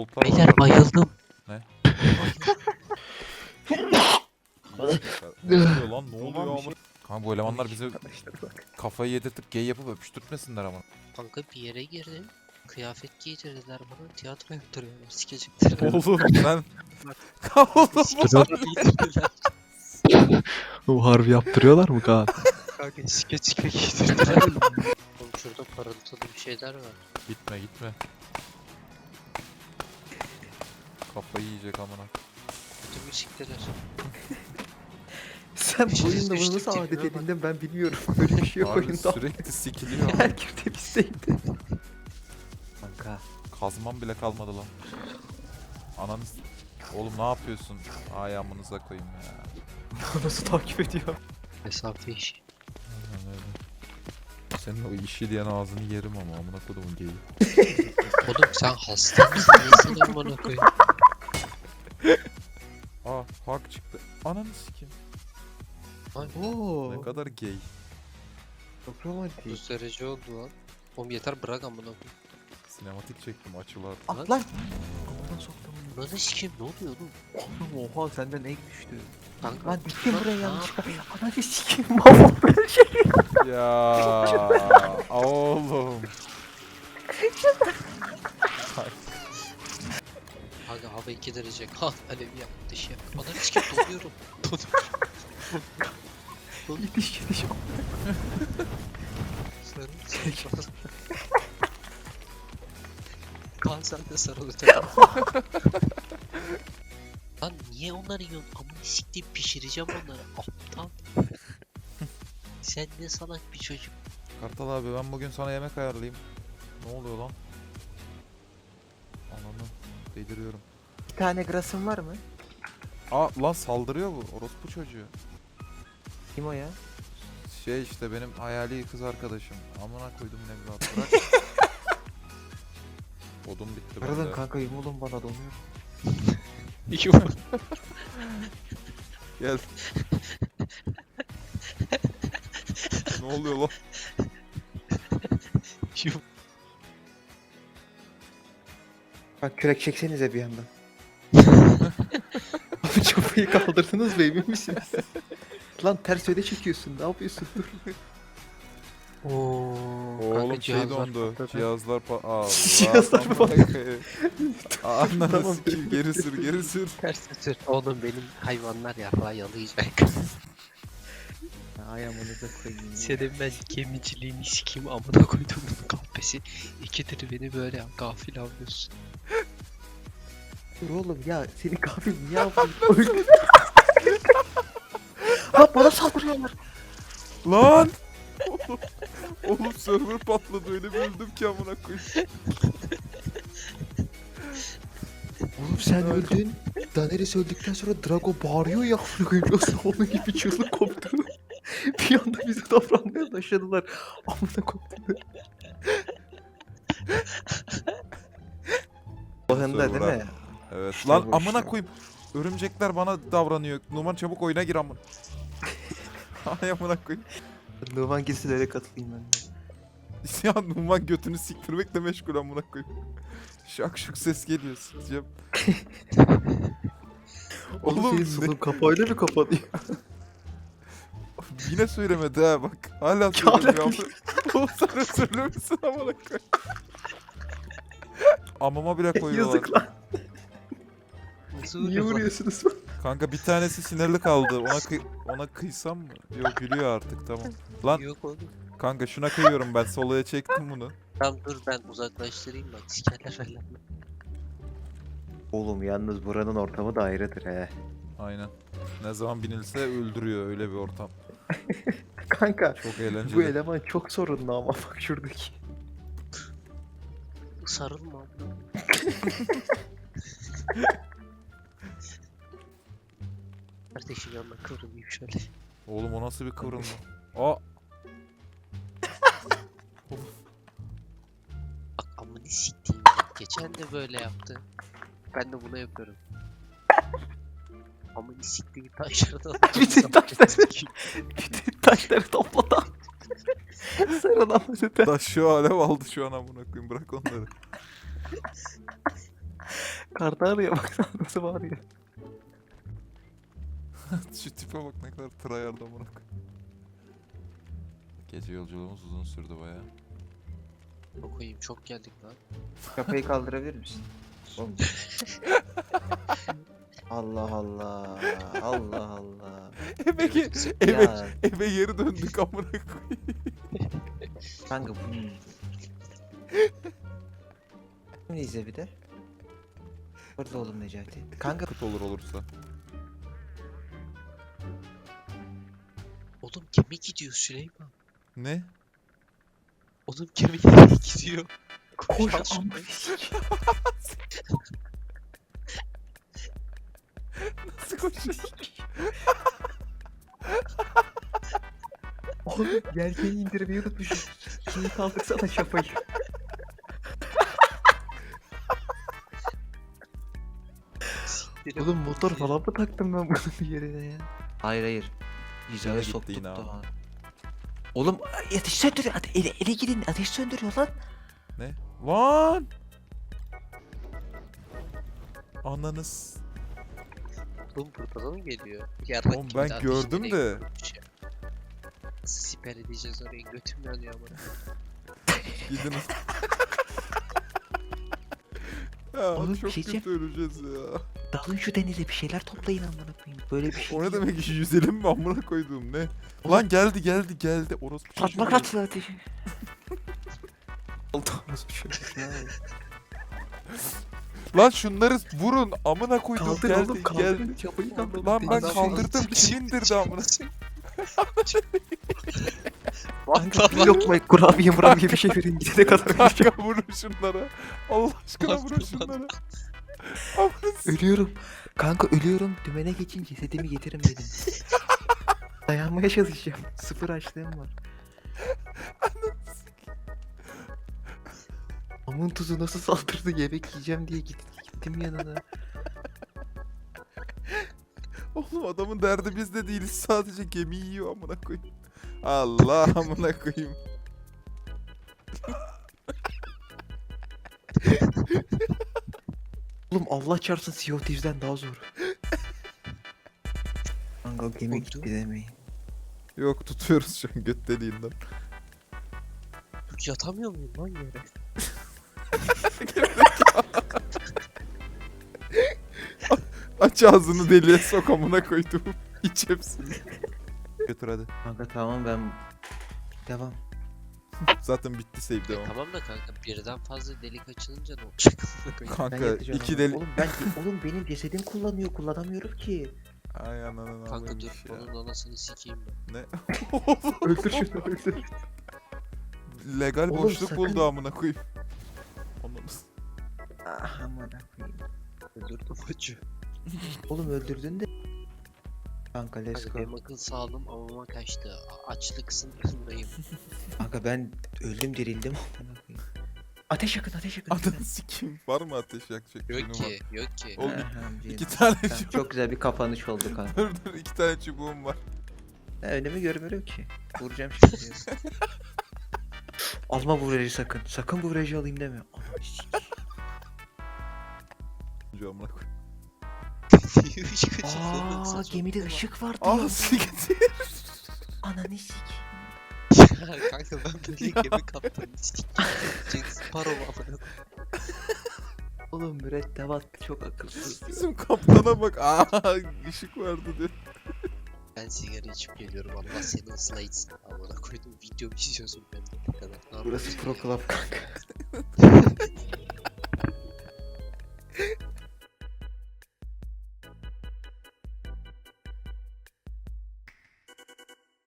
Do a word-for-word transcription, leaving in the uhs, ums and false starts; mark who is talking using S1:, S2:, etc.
S1: volta
S2: Beyler
S1: var.
S2: bayıldım.
S1: Ne? Ne oluyor lan? Ne oluyor
S3: Tamam, bir
S1: ama?
S3: şey-
S1: Kanka bu elemanlar bize
S3: Arkadaşlar bak.
S1: kafayı yedirtip gay yapıp öpüştürtmesinler ama.
S2: Kanka bir yere girdim. Kıyafet giydirdiler bana. Tiyatro yaptırıyorlar. Sikecekler.
S1: Oğlum sen... Oğlum
S2: Sikecekler giydirdiler.
S3: O harbi yaptırıyorlar mı Kaan?
S2: Kanka skeç gibi giydirdiler. Oğlum şurada parıltılı bir şeyler var.
S1: Gitme gitme. Kafayı yiyecek amına.
S2: Kötü müzikteler.
S3: Sen bu
S2: Düştük,
S3: oyunda bunu
S2: düştük,
S3: nasıl adet
S2: tipime bak.
S3: edindin ben bilmiyorum. Böyle bir şey yok
S1: Abi
S3: oyunda.
S1: sürekli sikiliyor ama.
S3: Her girdiğim isteydi. Kanka.
S1: Kazmam bile kalmadı lan. Ananız... Oğlum ne yapıyorsun? Ay amınıza koyayım ya.
S3: Nasıl takip ediyor?
S2: Mesafe işi.
S1: Aynen öyle. Senin o işi diyen ağzını yerim ama amına kodumun geyi.
S2: Oğlum sen hasta mısın? Nesin amına koyayım?
S1: Aa hak çıktı. Ananı sikeyim.
S3: Oo.
S1: Ne kadar gay.
S3: Çok romantik.
S2: otuz derece oldu lan. Oğlum yeter bırak amına koyayım.
S1: Sinematik çektim açılar.
S3: At lan. Kafadan soktum.
S2: Lan sikeyim ne oluyor oğlum?
S3: Oğlum oha senden ek düştü.
S2: Kanka
S3: Lan gittim buraya
S2: ne
S3: yanlışlıkla.
S2: yapayım?
S3: Ananı sikeyim mahvoldum her şey.
S1: Ya oğlum.
S2: Kanka hava iki derece. Kan alev yak dış yak. Ananı sikeyim donuyorum. Donuyorum.
S3: Gidiş gidiş.
S2: Sarıl. Kan sen de sarıl öteye. Lan niye onları yiyorsun? Amına sikeyim pişireceğim onları. Aptal. Sen ne salak bir çocuk.
S1: Kartal abi ben bugün sana yemek ayarlayayım. Ne oluyor lan? Ananı deliriyorum.
S3: Bir tane grasın var mı?
S1: Aa lan saldırıyor bu orospu çocuğu.
S3: Kim o ya?
S1: Şey işte benim hayali kız arkadaşım. Amına koydum evlat bırak. Odun bitti
S3: Pardon
S1: bende.
S3: kanka yumulun bana donuyor.
S1: Gel. Ne oluyor lan?
S3: Bak kürek çeksenize bir yandan. Abi çapayı kaldırdınız mı emin misiniz? Lan ters öde çekiyorsun ne yapıyorsun dur. Oo,
S1: Oğlum şey dondu.
S3: patladı.
S1: Cihazlar pa... Allah.
S3: Cihazlar mı patladı?
S1: Ananı
S3: Tamam.
S1: sikeyim geri sür geri sür.
S2: Ters tür. Oğlum benim hayvanlar yarrağı yalayacak.
S3: Ayağımınıza koyayım ya.
S2: Senin ben gemiciliğini sikeyim amına koydum bunun kahpesi. İkidir beni böyle gafil avlıyorsun.
S3: Dur oğlum ya senin kahve niye yapıyorsun? Ha bana saldırıyorlar.
S1: Lan! Oğlum, oğlum server patladı öyle bir öldüm ki amına koyayım.
S3: Oğlum sen öldün. Daenerys öldükten sonra Drago bağırıyor ya. Nasıl onun gibi çığlık koptu. Bir anda bize davranmaya başladılar. Amına koptu. Oyunda değil mi?
S1: Evet.
S3: İşte
S1: Lan
S3: bu
S1: amına
S3: işte.
S1: koyayım. Örümcekler bana davranıyor. Numan çabuk oyuna gir amın. Ay amına koyayım.
S3: Numan gitsilere katılayım ben de.
S1: Ya Numan götünü siktirmekle meşgul amına koyayım. Şak şuk ses geliyor sikeceğim.
S3: Oğlum
S1: Oğlum
S3: senin
S1: ne?
S3: sunum kapağıyla mı kapanıyor?
S1: Yine söylemedi ha bak. Hala
S3: Ya
S1: söylemiyor. Oğlum sen özürlü müsün amına koyayım? Amama bile koyuyorlar.
S3: Yazık lan.
S2: Nasıl
S3: Niye
S2: öyle lan?
S3: vuruyorsunuz?
S1: Kanka bir tanesi sinirli kaldı. Ona kıy ona kıysam mı? Yok gülüyor artık tamam. Lan
S2: Yok oğlum.
S1: kanka şuna kıyıyorum ben soloya çektim bunu.
S2: Tamam dur ben uzaklaştırayım bak sikerler falan.
S3: Oğlum yalnız buranın ortamı da ayrıdır he.
S1: Aynen. Ne zaman binilse öldürüyor öyle bir ortam.
S3: Kanka
S1: Çok eğlenceli.
S3: bu eleman çok sorunlu ama bak şuradaki.
S2: Sarılma amına. Kardeşim yanına kıvrılayım şöyle.
S1: Oğlum o nasıl bir kıvrılma? Aa
S2: Bak amını siktiğim. Geçen de böyle yaptı. Ben de bunu yapıyorum. Amını siktiğim taşlardan.
S3: Bütün taşları, bütün taşları topladı. Sarılan öte.
S1: taş şu alev aldı şu an amına koyayım bırak onları.
S3: karda arıyor bak nasıl bağırıyor.
S1: Şu tipe bak ne kadar tryhard amına koyayım. Gece yolculuğumuz uzun sürdü baya.
S2: Okuyayım çok geldik lan.
S3: Kafayı kaldırabilir misin? Oğlum. Allah Allah. Allah Allah.
S1: Eve, ge eve,
S3: Ya
S1: eve geri döndük amına koyayım.
S3: kanka bu. Şimdi izle bir de. Orada oğlum Necati. Kanka
S1: Kıt olur olursa.
S2: Oğlum gemi gidiyor Süleyman.
S1: Ne?
S2: Oğlum gemi nereye gidiyor?
S3: koş
S2: al şunu.
S3: amına.
S1: Nasıl koşuyor?
S3: Oğlum yelkeni indirmeyi unutmuşum. Şimdi kaldırsana şapayı.
S2: Siktirim.
S3: Oğlum motor falan mı taktım ben bunun bir yerine ya? Hayır hayır. Hizaya
S1: Gitti
S3: soktuk
S1: yine
S3: da.
S1: ama.
S3: Oğlum ateş söndürüyor. Ate ele, ele gidin ateş söndürüyor lan.
S1: Ne? Lan! Ananız.
S2: Oğlum buradan mı geliyor? Yarrak
S1: Oğlum
S2: gibi
S1: ben
S2: de ateş
S1: gördüm
S2: nereye
S1: de.
S2: koymuş ya. Nasıl siper edeceğiz orayı? Götüm yanıyor ama.
S1: Gidin. Ya
S3: Oğlum,
S1: çok
S3: bir şey
S1: kötü öleceğiz ya.
S3: Dalın şu denize bir şeyler toplayın amına koyayım. Böyle bir şey.
S1: O ne demek ki yüzelim mi amına koyduğum ne?
S3: Oğlum.
S1: Lan geldi geldi geldi. Orası bir
S3: Fatma
S1: şey.
S3: kaçtı ateşi. Oldu nasıl bir şey?
S1: Lan şunları vurun amına koyduğum
S3: Kaldır
S1: geldi
S3: oğlum kaldır.
S1: geldi.
S3: Çapayı kaldır.
S1: Lan ben
S2: Adam-
S1: kaldırdım kim indirdi amına?
S3: Kanka yok mu kurabiye murabiye bir şey verin gidene kadar öleceğim.
S1: Kanka vurun şunlara. Allah aşkına vurun şunlara. Amına s-
S3: Ölüyorum. Kanka ölüyorum. Dümene geçin cesedimi getirin dedim. Dayanmaya çalışacağım. Sıfır açlığım var. Amın tuzu nasıl saldırdı yemek yiyeceğim diye git, gittim yanına.
S1: Oğlum adamın derdi biz de değiliz sadece gemi yiyor amına koyayım. Allah amına koyayım.
S3: Oğlum Allah çarpsın Sea of Thieves'den daha zor. Kanka o gemi
S2: Oldu.
S3: gitti demeyin.
S1: Yok tutuyoruz şu an göt deliğinden.
S2: Yok yatamıyor muyum lan yere?
S1: Aç ağzını deliğe sok amına koydum. İç hepsini. Götür hadi.
S3: Kanka tamam ben... Devam.
S1: Zaten bitti save
S2: E,
S1: devam.
S2: tamam da kanka birden fazla delik açılınca ne olacak?
S3: Ben
S1: Kanka
S3: yatacağım
S1: iki
S3: ama.
S1: deli...
S3: Oğlum ben oğlum benim cesedim kullanıyor kullanamıyorum ki.
S1: Ay ananı
S2: Kanka dur
S1: ya.
S2: onun anasını sikeyim ben.
S1: Ne?
S3: Öldür şunu öldür.
S1: Legal
S3: Oğlum
S1: boşluk
S3: sakın-
S1: buldu amına koyayım. Ananı s-
S3: Ah aman koyayım.
S2: Öldürdüm acı.
S3: Oğlum öldürdün de. Kanka let's
S2: Kanka
S3: go.
S2: benim akıl sağlığım amama kaçtı. A- Açlık sınırındayım.
S3: Kanka ben öldüm dirildim amına koyayım. Ateş yakın ateş yakın.
S1: Ananı sikeyim. Var mı ateş yakacak?
S2: Yok
S1: Benim
S2: ki,
S1: var.
S2: yok ki.
S1: Oğlum,
S3: Aha,
S1: İki
S3: canım.
S1: tane
S3: Tamam,
S1: çubuğum.
S3: çok güzel bir kapanış oldu kanka.
S1: Dur dur iki tane çubuğum var.
S3: Ne önemi görmüyorum ki. Vuracağım şimdi. Alma bu virajı sakın. Sakın bu virajı alayım deme. Ananı sikeyim.
S1: Önce amına koyayım.
S2: Işık açıldı.
S3: Aa
S2: Saçma
S3: gemide
S2: sapan.
S3: ışık var
S1: Ah
S3: diyor.
S1: siktir.
S3: Ananı sikeyim.
S2: Ya kanka ben böyle gemi kaptanı sikeyim. Jack Sparrow amına.
S3: Oğlum mürettebat çok akılsız.
S1: Bizim kaptana bak. Aa ışık vardı diyor.
S2: Ben sigara içip geliyorum Allah seni ıslah etsin. Amına koydum video izliyorsun ben de ne kadar. Ne
S3: Burası
S2: yapıyorsun
S3: Pro
S2: ya?
S3: Club kanka.